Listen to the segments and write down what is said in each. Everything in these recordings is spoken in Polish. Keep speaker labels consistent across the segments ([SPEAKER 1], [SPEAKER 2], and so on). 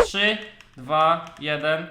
[SPEAKER 1] 3, 2, 1.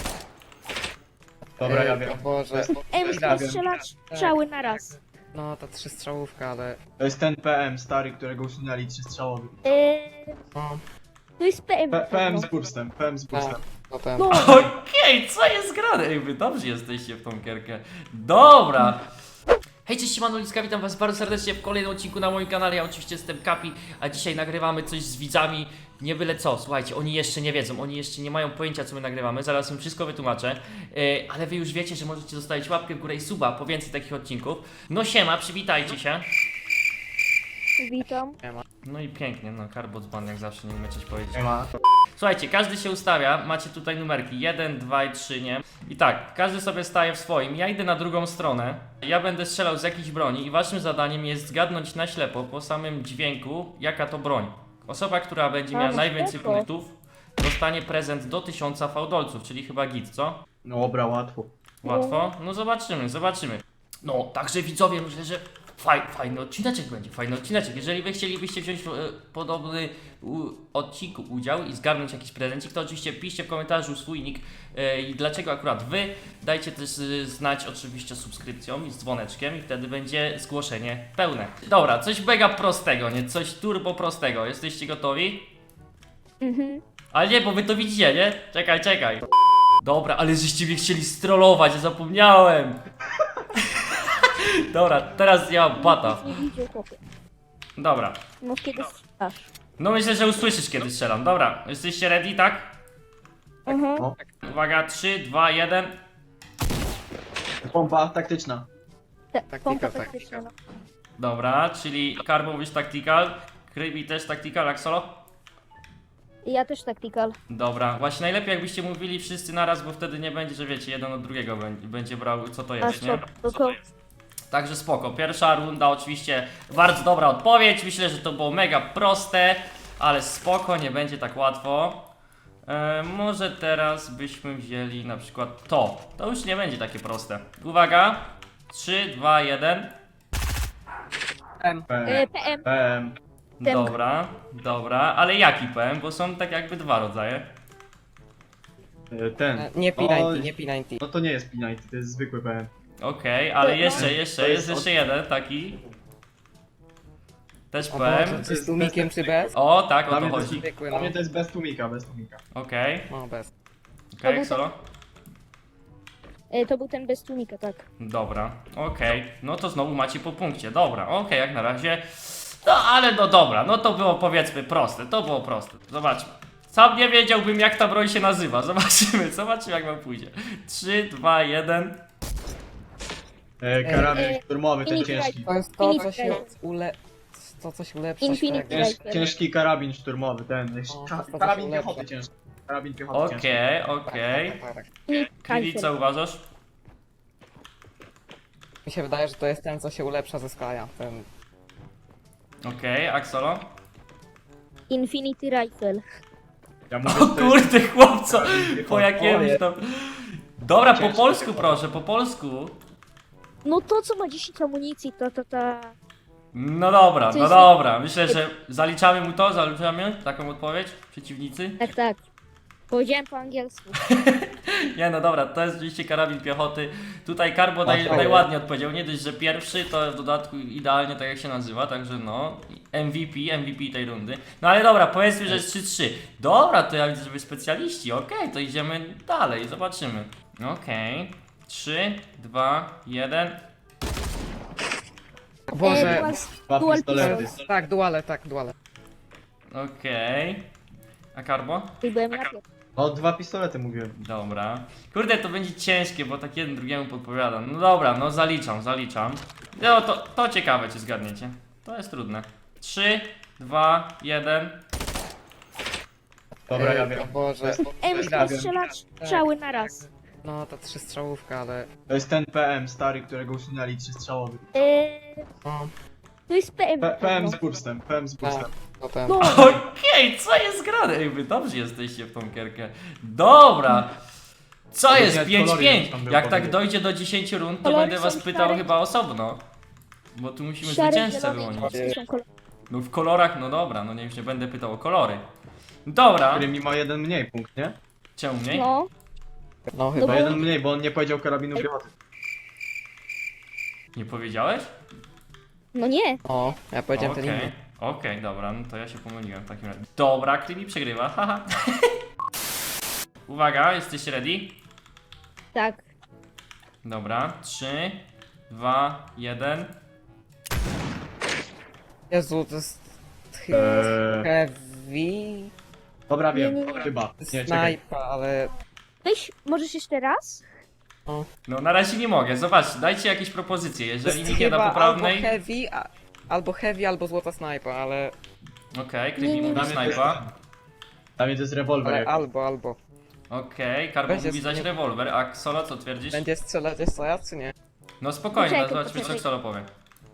[SPEAKER 2] Dobra, ja wiem.
[SPEAKER 3] O Boże.
[SPEAKER 4] Ej, musimy strzelać strzały na raz.
[SPEAKER 3] No, ta 3-strzałówka, ale...
[SPEAKER 2] To jest ten PM stary, którego usunęli 3-strzałowy.
[SPEAKER 3] No,
[SPEAKER 4] To jest PM.
[SPEAKER 2] PM z burstem, PM z burstem.
[SPEAKER 3] to ten...
[SPEAKER 4] No,
[SPEAKER 1] Okej, co jest grane? Ej, wy dobrze jesteście w tą gierkę. Dobra. Hej, cześć, siemano, Liska, witam was bardzo serdecznie w kolejnym odcinku na moim kanale. Ja oczywiście jestem Kapi, a dzisiaj nagrywamy coś z widzami. Nie byle co, słuchajcie, oni jeszcze nie wiedzą, oni jeszcze nie mają pojęcia, co my nagrywamy. Zaraz im wszystko wytłumaczę. Ale wy już wiecie, że możecie zostawić łapkę w górę i suba po więcej takich odcinków. No siema, przywitajcie się.
[SPEAKER 4] witam.
[SPEAKER 1] No i pięknie, no Karbocban jak zawsze, nie umie coś powiedzieć.
[SPEAKER 2] Nie ma.
[SPEAKER 1] Słuchajcie, każdy się ustawia, macie tutaj numerki 1, 2 i 3, nie? I tak, każdy sobie staje w swoim, ja idę na drugą stronę, ja będę strzelał z jakiejś broni i waszym zadaniem jest zgadnąć na ślepo po samym dźwięku, jaka to broń. Osoba, która będzie miała
[SPEAKER 4] no
[SPEAKER 1] najwięcej
[SPEAKER 4] spoko.
[SPEAKER 1] punktów, dostanie prezent do 1000 fałdolców, czyli chyba git, co?
[SPEAKER 2] No dobra, łatwo.
[SPEAKER 1] Łatwo? No zobaczymy, zobaczymy. No, także widzowie, myślę, że fajny odcineczek będzie, fajny odcineczek. Jeżeli wy chcielibyście wziąć podobny odcinku udział i zgarnąć jakiś prezencik, to oczywiście piszcie w komentarzu swój nick i dlaczego akurat wy. Dajcie też znać oczywiście subskrypcją i z dzwoneczkiem i wtedy będzie zgłoszenie pełne. Dobra, coś mega prostego, nie? Coś turbo prostego. Jesteście gotowi? Ale nie, bo wy to widzicie, nie? Czekaj. Dobra, ale żeście mnie chcieli strollować, ja zapomniałem. Dobra, teraz ja mam bata.
[SPEAKER 4] Nie widział chłopie.
[SPEAKER 1] Dobra.
[SPEAKER 4] No kiedy strzelasz.
[SPEAKER 1] No myślę, że usłyszysz kiedy strzelam. Dobra, jesteście ready, tak?
[SPEAKER 4] Mhm.
[SPEAKER 1] Uwaga, 3, 2, 1.
[SPEAKER 2] Pompa taktyczna.
[SPEAKER 4] Pompa
[SPEAKER 3] taktyka.
[SPEAKER 4] taktyczna, no.
[SPEAKER 1] Dobra, czyli Karbo mówisz tactical, Krybi też tactical, jak solo?
[SPEAKER 4] Ja też tactical.
[SPEAKER 1] Dobra, właśnie najlepiej jakbyście mówili wszyscy naraz, bo wtedy nie będzie, że wiecie, jeden od drugiego będzie brał co to
[SPEAKER 4] A
[SPEAKER 1] jest, nie?
[SPEAKER 4] spoko.
[SPEAKER 1] Także spoko. Pierwsza runda oczywiście bardzo dobra odpowiedź. Myślę, że to było mega proste, ale spoko, nie będzie tak łatwo. Może teraz byśmy wzięli na przykład to. To już nie będzie takie proste. Uwaga. 3, 2, 1.
[SPEAKER 2] PM.
[SPEAKER 4] PM.
[SPEAKER 2] PM.
[SPEAKER 1] Dobra. Ale jaki PM? Bo są tak jakby dwa rodzaje.
[SPEAKER 2] Ten.
[SPEAKER 3] Nie
[SPEAKER 2] Oj.
[SPEAKER 3] P90, nie P90.
[SPEAKER 2] No to nie jest P90, to jest zwykły PM.
[SPEAKER 1] Okej, ale jest
[SPEAKER 2] To
[SPEAKER 1] jeszcze
[SPEAKER 2] jest
[SPEAKER 1] jeden taki. Też
[SPEAKER 3] O
[SPEAKER 1] PM.
[SPEAKER 3] Boże, czy z tłumikiem, czy bez?
[SPEAKER 1] O, tak, o
[SPEAKER 2] Dla
[SPEAKER 1] to
[SPEAKER 2] mnie to jest,
[SPEAKER 1] chodzi.
[SPEAKER 3] Zwykły,
[SPEAKER 2] dla
[SPEAKER 3] no.
[SPEAKER 2] mnie to jest bez tłumika, bez tłumika.
[SPEAKER 1] Okej,
[SPEAKER 3] No, bez.
[SPEAKER 1] solo?
[SPEAKER 4] To był ten bez tłumika, tak.
[SPEAKER 1] Dobra, okej. No to znowu macie po punkcie. Dobra, okej, jak na razie. No ale no dobra, no to było powiedzmy proste, to było proste. Zobaczmy. Sam nie wiedziałbym jak ta broń się nazywa. Zobaczymy jak wam pójdzie. 3, 2, 1.
[SPEAKER 2] Karabin szturmowy, ten
[SPEAKER 4] Infinite
[SPEAKER 2] ciężki.
[SPEAKER 3] To jest to, co
[SPEAKER 4] Infinite
[SPEAKER 3] się
[SPEAKER 4] Rifle.
[SPEAKER 3] To, co się ulepsza.
[SPEAKER 4] Infinite
[SPEAKER 3] tak.
[SPEAKER 4] Rifle.
[SPEAKER 2] Ciężki karabin szturmowy, ten.
[SPEAKER 3] O, to
[SPEAKER 2] Karabin
[SPEAKER 3] lepsze.
[SPEAKER 2] piechoty ciężki. Karabin piechoty ciężki.
[SPEAKER 1] Okej.
[SPEAKER 3] Tak.
[SPEAKER 1] Czyli co uważasz?
[SPEAKER 3] Mi się wydaje, że to jest ten, co się ulepsza ze Skya. Ten...
[SPEAKER 1] Okej, Axolo?
[SPEAKER 4] Infinity Rifle.
[SPEAKER 2] Ja mówię,
[SPEAKER 1] O
[SPEAKER 2] że to jest
[SPEAKER 1] kurde chłopco!
[SPEAKER 2] karabin
[SPEAKER 1] Po
[SPEAKER 2] piechoty.
[SPEAKER 1] jakimś tam... Dobra, po
[SPEAKER 2] Ciężko
[SPEAKER 1] polsku
[SPEAKER 2] piechoty.
[SPEAKER 1] proszę, po polsku.
[SPEAKER 4] No to co ma 10 amunicji, ta.
[SPEAKER 1] No dobra,
[SPEAKER 4] Coś-
[SPEAKER 1] Myślę, że zaliczamy mu to, zaliczamy taką odpowiedź, przeciwnicy.
[SPEAKER 4] Tak. Powiedziałem po angielsku.
[SPEAKER 1] Nie no dobra, to jest oczywiście karabin piechoty. Tutaj Karbo
[SPEAKER 3] fajnie.
[SPEAKER 1] najładniej odpowiedział, nie dość, że pierwszy, to w dodatku idealnie tak jak się nazywa, także no, MVP tej rundy. No ale dobra, powiedzmy, że jest 3-3. Dobra, to ja widzę, że wy specjaliści, okej, to idziemy dalej, zobaczymy. Okej, 3, 2, 1.
[SPEAKER 3] O Boże.
[SPEAKER 2] Dwa
[SPEAKER 4] Dual
[SPEAKER 2] pistolety.
[SPEAKER 4] pistols.
[SPEAKER 3] Tak, duale.
[SPEAKER 1] Okej. A Karbo?
[SPEAKER 4] Byłem na pierwszy.
[SPEAKER 2] No, dwa pistolety mówiłem.
[SPEAKER 1] Dobra. Kurde, to będzie ciężkie, bo tak jeden drugiemu podpowiada. No dobra, no zaliczam. No to ciekawe, czy zgadniecie. To jest trudne. 3, 2, 1.
[SPEAKER 2] Dobra, ja wiem.
[SPEAKER 3] O Boże.
[SPEAKER 4] Ej,
[SPEAKER 2] Ja
[SPEAKER 4] musimy
[SPEAKER 2] wiem.
[SPEAKER 4] strzelać strzały na raz.
[SPEAKER 3] No, ta 3-strzałówka, ale...
[SPEAKER 2] To jest ten PM stary, którego usunęli 3-strzałowy.
[SPEAKER 3] No,
[SPEAKER 4] To jest PM.
[SPEAKER 2] PM z burstem, PM z burstem.
[SPEAKER 3] to ten...
[SPEAKER 4] No,
[SPEAKER 1] Okej, co jest grane? Ej, wy dobrze jesteście w tą gierkę. Dobra. Co
[SPEAKER 2] To
[SPEAKER 1] jest?
[SPEAKER 2] nawet
[SPEAKER 1] 5-5.
[SPEAKER 2] kolory tam były
[SPEAKER 1] Jak tak
[SPEAKER 2] powiedzieć.
[SPEAKER 1] dojdzie do 10 rund, to
[SPEAKER 4] Kolory
[SPEAKER 1] będę was
[SPEAKER 4] są
[SPEAKER 1] pytał
[SPEAKER 4] szare.
[SPEAKER 1] chyba osobno. Bo tu musimy
[SPEAKER 4] szary,
[SPEAKER 1] zwycięzcę
[SPEAKER 4] zielony i
[SPEAKER 1] wyłonić.
[SPEAKER 4] niebieskie są kolory.
[SPEAKER 1] No w kolorach, no dobra, no nie, już nie będę pytał o kolory. Dobra,
[SPEAKER 2] Który mi ma jeden mniej punkt, nie?
[SPEAKER 1] czemu mniej?
[SPEAKER 4] No,
[SPEAKER 3] No
[SPEAKER 4] No
[SPEAKER 3] chyba.
[SPEAKER 2] Ma
[SPEAKER 4] bo-
[SPEAKER 2] jeden mniej, bo on nie powiedział karabinu piechoty.
[SPEAKER 1] Nie powiedziałeś?
[SPEAKER 4] no nie.
[SPEAKER 3] O, ja powiedziałem ten
[SPEAKER 1] Okej,
[SPEAKER 3] inny.
[SPEAKER 1] okej, dobra, no to ja się pomyliłem w takim razie. Dobra, Krymi przegrywa, haha. Uwaga, jesteście ready?
[SPEAKER 4] Tak.
[SPEAKER 1] Dobra, 3, 2, 1.
[SPEAKER 3] Jezu, to jest... Heavy...
[SPEAKER 2] Dobra, wiem,
[SPEAKER 4] Nie, nie, nie.
[SPEAKER 2] chyba. Nie, czekaj.
[SPEAKER 3] Snajpa, ale...
[SPEAKER 4] Weź, możesz jeszcze raz?
[SPEAKER 1] No na razie nie mogę, zobaczcie, dajcie jakieś propozycje,
[SPEAKER 3] To
[SPEAKER 1] jeżeli
[SPEAKER 3] jest
[SPEAKER 1] nikt nie da
[SPEAKER 3] chyba
[SPEAKER 1] poprawnej.
[SPEAKER 3] albo heavy, albo złota snajpa, ale...
[SPEAKER 1] Okej,
[SPEAKER 4] Nie,
[SPEAKER 1] Krymi
[SPEAKER 4] nie,
[SPEAKER 1] mówi
[SPEAKER 2] Dla mnie to jest-
[SPEAKER 1] snajpa.
[SPEAKER 2] Dla mnie to jest rewolwer.
[SPEAKER 3] Ale
[SPEAKER 2] jak-
[SPEAKER 3] albo.
[SPEAKER 1] Okej, Karbo
[SPEAKER 3] Będzie
[SPEAKER 1] mówi zaś
[SPEAKER 3] nie-
[SPEAKER 1] rewolwer, a Solo co twierdzisz?
[SPEAKER 3] Będzie strzelać jeszcze raz, czy nie?
[SPEAKER 1] No spokojnie,
[SPEAKER 4] Poczekaj,
[SPEAKER 1] zobaczmy co
[SPEAKER 4] poczekaj.
[SPEAKER 1] Solo powie.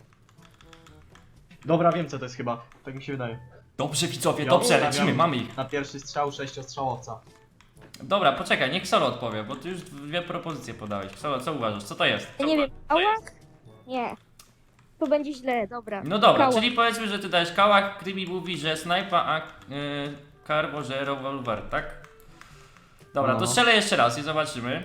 [SPEAKER 2] Dobra, wiem co to jest chyba. Tak mi się wydaje.
[SPEAKER 1] Dobrze widzowie,
[SPEAKER 2] Ja
[SPEAKER 1] dobrze,
[SPEAKER 2] ustawiam
[SPEAKER 1] lecimy, mamy ich.
[SPEAKER 2] Na pierwszy strzał 6-strzałowca.
[SPEAKER 1] Dobra, poczekaj, niech Solo odpowie, bo ty już dwie propozycje podałeś. Solo, co uważasz, co to jest?
[SPEAKER 4] Ja nie wiem. Kałak? Nie. To będzie źle, dobra.
[SPEAKER 1] No dobra,
[SPEAKER 4] Kałak.
[SPEAKER 1] czyli powiedzmy, że ty dajesz kałach, Krymi mówi, że snajpa, a Karbo, że rewolwer, tak? Dobra, to
[SPEAKER 2] No.
[SPEAKER 1] strzelę jeszcze raz i zobaczymy.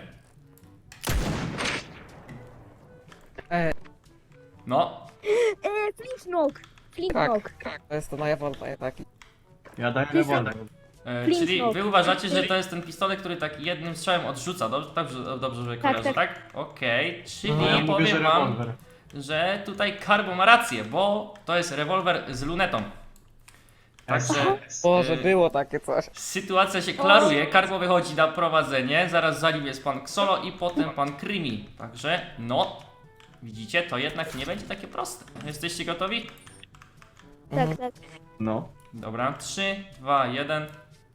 [SPEAKER 1] No,
[SPEAKER 4] Flintlock. Flintlock.
[SPEAKER 3] Tak, to jest to na Jawolla taki.
[SPEAKER 2] Ja daję
[SPEAKER 4] Jest
[SPEAKER 2] rewolwer.
[SPEAKER 1] czyli
[SPEAKER 4] Flintlock.
[SPEAKER 1] wy uważacie, że to jest ten pistolet, który tak jednym strzałem odrzuca, dobrze że kojarzę,
[SPEAKER 4] tak.
[SPEAKER 1] tak? Okej, czyli
[SPEAKER 2] No, ja mówię, że
[SPEAKER 1] powiem wam,
[SPEAKER 2] rewolwer.
[SPEAKER 1] że tutaj Karbo ma rację, bo to jest rewolwer z lunetą. Także
[SPEAKER 3] Boże, było takie coś.
[SPEAKER 1] sytuacja się klaruje, Karbo wychodzi na prowadzenie, zaraz za nim jest pan Xolo i potem pan Krymi. Także no, widzicie, to jednak nie będzie takie proste. Jesteście gotowi?
[SPEAKER 4] Tak, tak.
[SPEAKER 2] No.
[SPEAKER 1] Dobra, 3, 2, 1.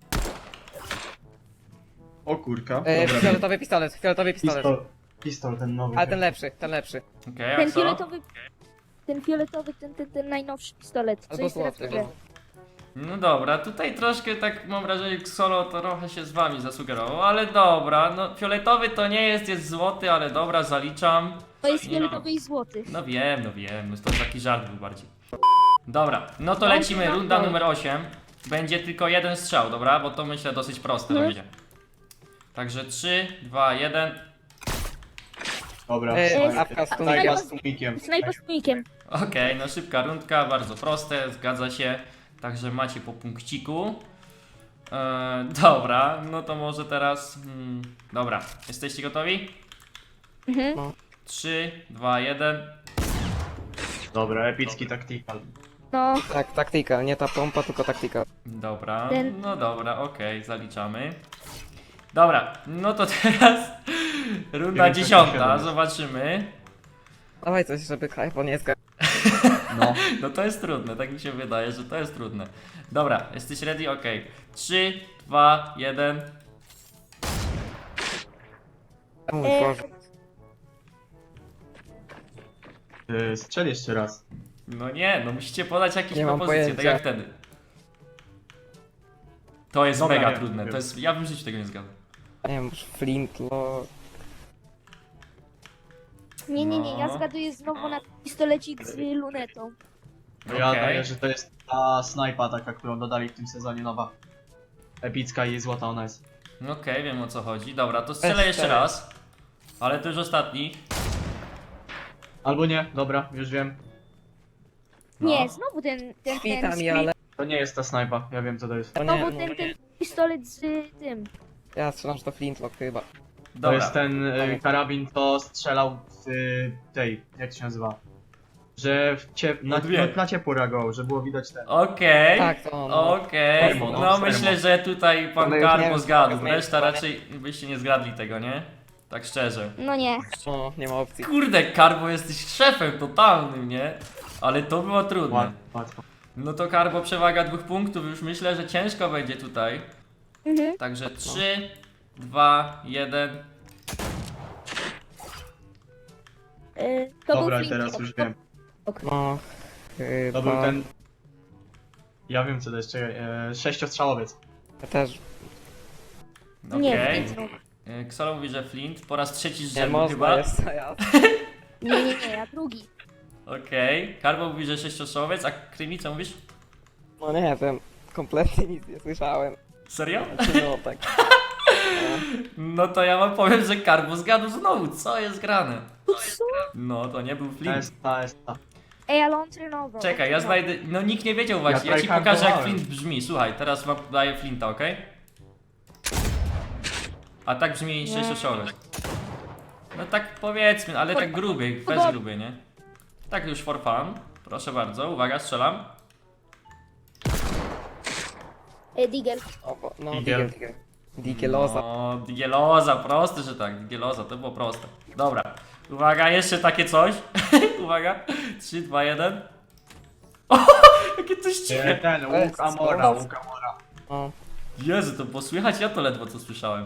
[SPEAKER 2] O kurka. Dobra,
[SPEAKER 3] Fioletowy pistolet.
[SPEAKER 2] Pistol ten nowy.
[SPEAKER 3] Ale ten lepszy.
[SPEAKER 1] Okej,
[SPEAKER 4] Ten
[SPEAKER 1] a Xolo?
[SPEAKER 4] fioletowy, ten najnowszy pistolet. Co
[SPEAKER 3] Albo
[SPEAKER 4] jest teraz w
[SPEAKER 3] złoty.
[SPEAKER 4] grze.
[SPEAKER 1] No dobra, tutaj troszkę tak mam wrażenie, Xolo trochę się z wami zasugerował, ale dobra, no fioletowy to nie jest, jest złoty, ale dobra, zaliczam.
[SPEAKER 4] To jest
[SPEAKER 1] Nie.
[SPEAKER 4] fioletowy i złoty.
[SPEAKER 1] No wiem, no to taki żart był bardziej. Dobra, no to
[SPEAKER 4] No,
[SPEAKER 1] lecimy,
[SPEAKER 4] no,
[SPEAKER 1] runda
[SPEAKER 4] no.
[SPEAKER 1] numer 8. Będzie tylko jeden strzał, dobra? Bo to myślę dosyć proste będzie. Także 3, 2, 1.
[SPEAKER 2] Dobra.
[SPEAKER 3] Awka z
[SPEAKER 2] Snajpa
[SPEAKER 4] tłumikiem.
[SPEAKER 2] z tłumikiem.
[SPEAKER 4] Snajper z tłumikiem.
[SPEAKER 1] Okej, no szybka rundka, bardzo proste, zgadza się. Także macie po punkciku. Dobra, no to może teraz... dobra, jesteście gotowi?
[SPEAKER 4] Mhm.
[SPEAKER 1] 3, 2, 1.
[SPEAKER 2] Dobra, epicki tactical.
[SPEAKER 4] No,
[SPEAKER 3] Tak, taktyka, nie ta pompa, tylko taktyka.
[SPEAKER 1] Dobra,
[SPEAKER 4] Ten-
[SPEAKER 1] no dobra, okej, zaliczamy. Dobra, no to teraz runda
[SPEAKER 2] 9,
[SPEAKER 1] 10,
[SPEAKER 2] 7.
[SPEAKER 1] zobaczymy.
[SPEAKER 3] Dawaj coś, żeby Hypo nie zgadł.
[SPEAKER 2] No.
[SPEAKER 1] No to jest trudne, tak mi się wydaje, że to jest trudne. Dobra, jesteś ready? Okej. 3, 2, 1.
[SPEAKER 3] O mój
[SPEAKER 4] E,
[SPEAKER 3] Boże.
[SPEAKER 2] Strzel jeszcze raz.
[SPEAKER 1] No nie, no musicie podać jakieś
[SPEAKER 3] Nie mam
[SPEAKER 1] propozycje, tak
[SPEAKER 3] pojęcia.
[SPEAKER 1] jak wtedy. To jest
[SPEAKER 2] Dobra,
[SPEAKER 1] mega
[SPEAKER 2] wiem,
[SPEAKER 1] trudne,
[SPEAKER 2] wiem.
[SPEAKER 1] to jest, ja bym w życiu tego nie zgadł.
[SPEAKER 3] Nie wiem, może Flintlock.
[SPEAKER 4] nie, ja
[SPEAKER 1] No.
[SPEAKER 4] zgaduję znowu na pistolecik z lunetą.
[SPEAKER 2] No ja
[SPEAKER 1] Okej.
[SPEAKER 2] daję, że to jest ta snajpa taka, którą dodali w tym sezonie nowa. Epicka i złota ona jest.
[SPEAKER 1] Okej, wiem o co chodzi. Dobra, to strzelę jeszcze
[SPEAKER 3] strzelaj.
[SPEAKER 1] raz. Ale to już ostatni.
[SPEAKER 2] Albo nie, dobra, już wiem.
[SPEAKER 1] No.
[SPEAKER 4] Nie, znowu ten
[SPEAKER 3] Kwita mi,
[SPEAKER 4] screen-
[SPEAKER 3] ale...
[SPEAKER 2] To nie jest ta snajpa, ja wiem co to jest.
[SPEAKER 3] To nie,
[SPEAKER 4] Znowu
[SPEAKER 3] no,
[SPEAKER 4] ten pistolet z tym.
[SPEAKER 3] ja strzelam, że to Flintlock chyba.
[SPEAKER 2] To
[SPEAKER 1] Dobra.
[SPEAKER 2] jest ten karabin, co strzelał w tej, jak to się nazywa? Że na ciepło reagował, że było widać ten.
[SPEAKER 1] Okej.
[SPEAKER 3] Tak, to on.
[SPEAKER 1] Okej,
[SPEAKER 2] Termo,
[SPEAKER 1] no
[SPEAKER 2] no,
[SPEAKER 1] myślę,
[SPEAKER 2] termo.
[SPEAKER 1] że tutaj pan
[SPEAKER 3] Ale już nie
[SPEAKER 1] Karbo
[SPEAKER 3] wiem,
[SPEAKER 1] zgadł,
[SPEAKER 3] co
[SPEAKER 1] reszta
[SPEAKER 3] jest,
[SPEAKER 1] raczej byście nie zgadli tego, nie? Tak szczerze.
[SPEAKER 4] No nie.
[SPEAKER 3] O, nie ma opcji.
[SPEAKER 1] Kurde, Karbo jesteś szefem totalnym, nie? Ale to było trudne.
[SPEAKER 2] Łatwo.
[SPEAKER 1] No to Karbo przewaga 2 punktów, już myślę, że ciężko będzie tutaj.
[SPEAKER 4] Mhm.
[SPEAKER 1] Także 3, 2, 1.
[SPEAKER 4] To
[SPEAKER 2] Dobra,
[SPEAKER 4] był
[SPEAKER 2] teraz
[SPEAKER 4] Flintlock.
[SPEAKER 2] już wiem.
[SPEAKER 3] No,
[SPEAKER 2] To był
[SPEAKER 3] chyba...
[SPEAKER 2] ten... Ja wiem co to jest, czekaj, sześciostrzałowiec.
[SPEAKER 3] Ja też...
[SPEAKER 4] Nie,
[SPEAKER 1] Okej.
[SPEAKER 4] Flintlock.
[SPEAKER 1] Ksolo mówi, że Flint po raz trzeci z
[SPEAKER 3] Nie
[SPEAKER 1] rzędu
[SPEAKER 3] można
[SPEAKER 1] chyba.
[SPEAKER 3] jest, a ja...
[SPEAKER 4] Nie, ja drugi.
[SPEAKER 1] Okej. Karbo mówi, że sześciostrzałowiec, a Krymi co mówisz?
[SPEAKER 3] No nie wiem. kompletnie nic nie słyszałem.
[SPEAKER 1] Serio?
[SPEAKER 3] Znaczy, no tak.
[SPEAKER 1] No to ja wam powiem, że Karbo zgadł znowu, co jest grane.
[SPEAKER 4] Co?
[SPEAKER 1] No to nie był Flint.
[SPEAKER 2] Esta.
[SPEAKER 4] Ej, ale on trenował.
[SPEAKER 1] Czekaj, ja
[SPEAKER 4] on trenował.
[SPEAKER 1] znajdę. No nikt nie wiedział właśnie.
[SPEAKER 2] Ja
[SPEAKER 1] Ja ci pokażę jak
[SPEAKER 2] tryhardowałem.
[SPEAKER 1] Flint brzmi. Słuchaj, teraz wam daję Flinta, ok? A tak brzmi
[SPEAKER 4] Nie.
[SPEAKER 1] sześcioszolek. No tak powiedzmy, ale tak gruby, bez
[SPEAKER 4] Podobnie.
[SPEAKER 1] gruby, nie? Tak już for fun. Proszę bardzo, uwaga, strzelam.
[SPEAKER 4] Digel.
[SPEAKER 3] O, no,
[SPEAKER 2] Digel.
[SPEAKER 3] Digieloza.
[SPEAKER 1] No, Digieloza, proste, że tak. Digieloza, to było proste. Dobra, uwaga, jeszcze takie coś. Uwaga, 3, 2, 1. O, jakie coś ciche.
[SPEAKER 2] Ten, łuk Amora, łuk Amora.
[SPEAKER 3] O,
[SPEAKER 1] Jezu, to było słychać? Ja to ledwo co słyszałem.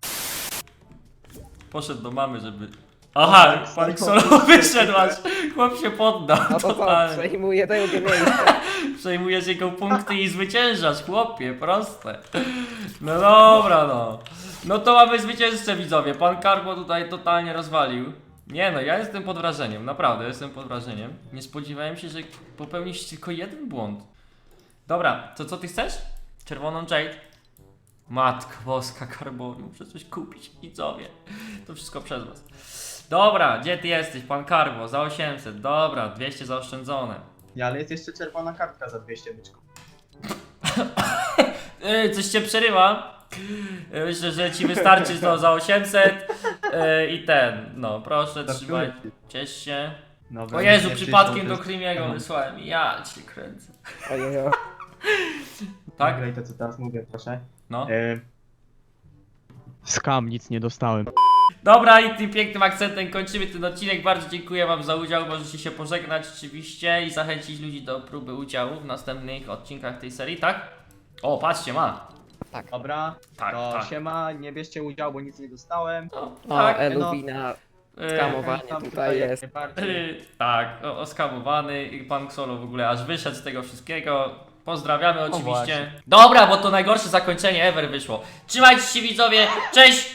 [SPEAKER 1] Poszedł do mamy, żeby... Aha, pan Xolo wyszedł aż. Chłop się poddał,
[SPEAKER 3] no to co,
[SPEAKER 1] totalnie.
[SPEAKER 3] przejmuję drugie miejsce.
[SPEAKER 1] Przejmujesz jego punkty i zwyciężasz, chłopie, proste. No dobra, no. No to mamy zwycięzcę, widzowie. Pan Karbo tutaj totalnie rozwalił. Nie no, ja jestem pod wrażeniem, naprawdę jestem pod wrażeniem. Nie spodziewałem się, że popełnisz tylko jeden błąd. Dobra, to co ty chcesz? Czerwoną Jade? Matko boska, Karbo, muszę coś kupić, widzowie. To wszystko przez was. Dobra, gdzie ty jesteś, pan Karbo? Za 800, dobra, 200 zaoszczędzone.
[SPEAKER 2] Ja, ale jest jeszcze czerwona kartka za 200 byczków.
[SPEAKER 1] Coś cię przerywa. Myślę, że ci wystarczy to za 800 i ten, no proszę, trzymaj, ciesz się.
[SPEAKER 2] Nowe,
[SPEAKER 1] O Jezu,
[SPEAKER 2] nie
[SPEAKER 1] przypadkiem
[SPEAKER 2] przyszło,
[SPEAKER 1] do
[SPEAKER 2] to jest-
[SPEAKER 1] Krymiego
[SPEAKER 2] no.
[SPEAKER 1] wysłałem, ja cię kręcę.
[SPEAKER 3] Ojejo.
[SPEAKER 1] Tak?
[SPEAKER 2] Nagraj to, co teraz mówię, proszę.
[SPEAKER 1] No.
[SPEAKER 2] Skam, nic nie dostałem.
[SPEAKER 1] Dobra, i tym pięknym akcentem kończymy ten odcinek. Bardzo dziękuję wam za udział, możecie się pożegnać oczywiście i zachęcić ludzi do próby udziału w następnych odcinkach tej serii, tak? O, patrzcie, ma.
[SPEAKER 2] Dobra,
[SPEAKER 1] Tak,
[SPEAKER 2] to
[SPEAKER 1] tak.
[SPEAKER 2] siema, nie bierzcie udziału, bo nic nie dostałem.
[SPEAKER 1] No,
[SPEAKER 3] O,
[SPEAKER 1] tak.
[SPEAKER 3] Eluwina. Skamowanie
[SPEAKER 2] Tam
[SPEAKER 3] tutaj jest.
[SPEAKER 2] jak najbardziej.
[SPEAKER 1] Tak, oskamowany i pan Xolo w ogóle aż wyszedł z tego wszystkiego. Pozdrawiamy oczywiście.
[SPEAKER 2] właśnie.
[SPEAKER 1] Dobra, bo to najgorsze zakończenie ever wyszło. Trzymajcie się widzowie, cześć!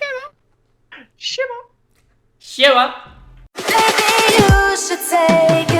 [SPEAKER 2] Siema!
[SPEAKER 1] Siema!
[SPEAKER 5] Maybe you should take